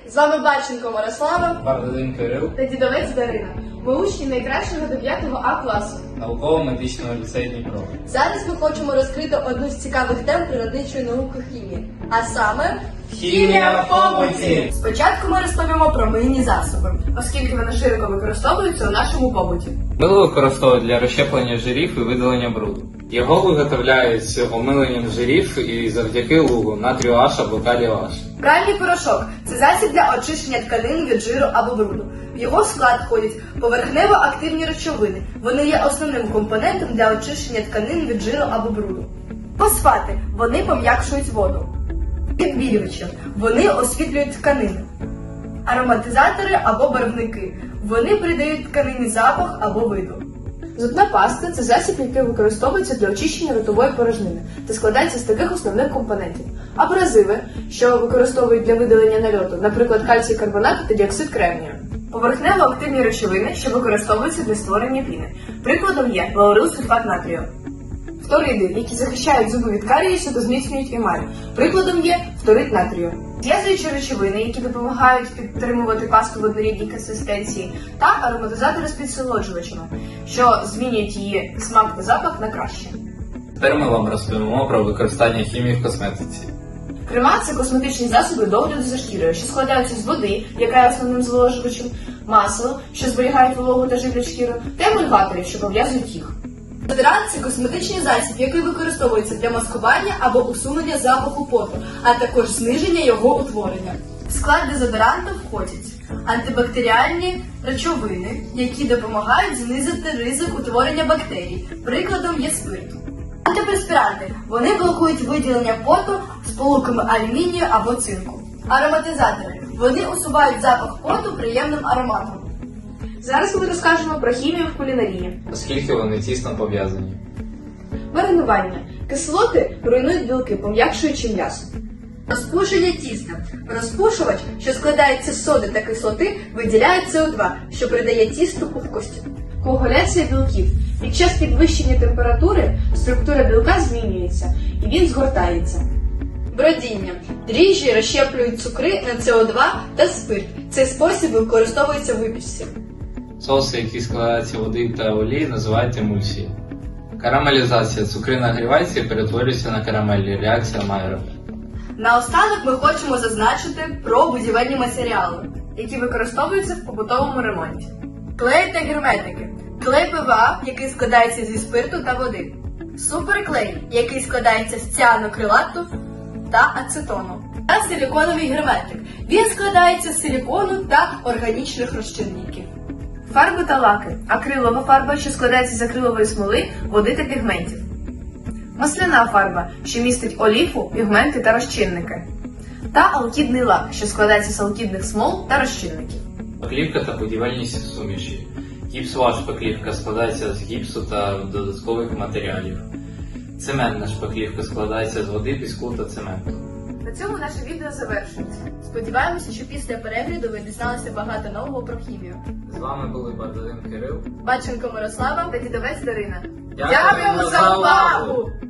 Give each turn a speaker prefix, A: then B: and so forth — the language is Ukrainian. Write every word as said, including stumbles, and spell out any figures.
A: З вами Баченко Мирослава
B: Бардалин Кирил,
A: та дідовець Дарина. Ми учні найкращого дев'ятого А класу.
B: науково-медичного ліцею Дніпро.
A: Зараз ми хочемо розкрити одну з цікавих тем природничої науки хімії, а саме
B: Хімія в побуті!
A: Спочатку ми розповімо про мийні засоби, оскільки вони широко використовуються у нашому побуті.
B: Мило використовують для розщеплення жирів і видалення бруду. Його виготовляють з омиленням жирів і завдяки лугу натрію H або калію H.
A: Пральний порошок – це засіб для очищення тканин від жиру або бруду. В його склад входять поверхнево-активні речовини. Вони є основним компонентом для очищення тканин від жиру або бруду. Фосфати – вони пом'якшують воду. Відбілювачі – вони освітлюють тканини. Ароматизатори або барвники – вони придають тканині запах або виду. Зубна паста – це засіб, який використовується для очищення ротової порожнини та складається з таких основних компонентів. Абразиви, що використовують для видалення нальоту, наприклад, кальцій карбонат та діоксид кремнію. Поверхнево-активні речовини, що використовуються для створення піни. Прикладом є лаурилсульфат натрію. Фториди, які захищають зуби від карієсу та зміцнюють емаль. Прикладом є фторид натрію. Зв'язуючі речовини, які допомагають підтримувати пасту в однорідній консистенції, та ароматизатори з підсолоджувачами, що змінюють її смак та запах на краще.
B: Тепер ми вам розповімо про використання хімії в косметиці.
A: Крема – це косметичні засоби догляду за шкірою, що складаються з води, яка є основним зволожувачем, масло, що зберігають вологу та живлять шкіру, та емульгаторів, що пов'язують їх. Дезодорант – це косметичний засіб, який використовується для маскування або усунення запаху поту, а також зниження його утворення. В склад дезодоранту входять антибактеріальні речовини, які допомагають знизити ризик утворення бактерій. Прикладом є спирт. Антиперспіранти – вони блокують виділення поту сполуками алюмінію або цинку. Ароматизатори – вони усувають запах поту приємним ароматом. Зараз ми розкажемо про хімію в кулінарії.
B: Оскільки вони тісно пов'язані.
A: Маринування. Кислоти руйнують білки, пом'якшуючи м'ясо. Розпушення тіста. Розпушувач, що складається з соди та кислоти, виділяє С О два, що придає тісту пухкості. Коагуляція білків. Під час підвищення температури структура білка змінюється і він згортається. Бродіння. Дріжджі розщеплюють цукри на С О два та спирт. Цей спосіб використовується в випічці.
B: Соуси, які складаються з води та олії, називають емульсії. Карамелізація. Цукри нагріваються і перетворюються на карамель. Реакція Майера.
A: Наостанок ми хочемо зазначити про будівельні матеріали, які використовуються в побутовому ремонті. Клей та герметики. Клей П В А, який складається зі спирту та води. Суперклей, який складається з ціанокрилату та ацетону. Та силіконовий герметик. Він складається з силікону та органічних розчинників. Фарби та лаки. Акрилова фарба, що складається з акрилової смоли, води та пігментів. Масляна фарба, що містить оліфу, пігменти та розчинники. Та алкідний лак, що складається з алкідних смол та розчинників.
B: Шпаклівка та будівельні суміші. Гіпсова шпаклівка складається з гіпсу та додаткових матеріалів. Цементна шпаклівка складається з води, піску та цементу.
A: На цьому наше відео завершується. Сподіваємося, що після перегляду ви дізналися багато нового про хімію.
B: З вами були Бардалин Кирил.
A: Баченко Мирослава та дідовець Дарина.
B: Дякуємо за увагу!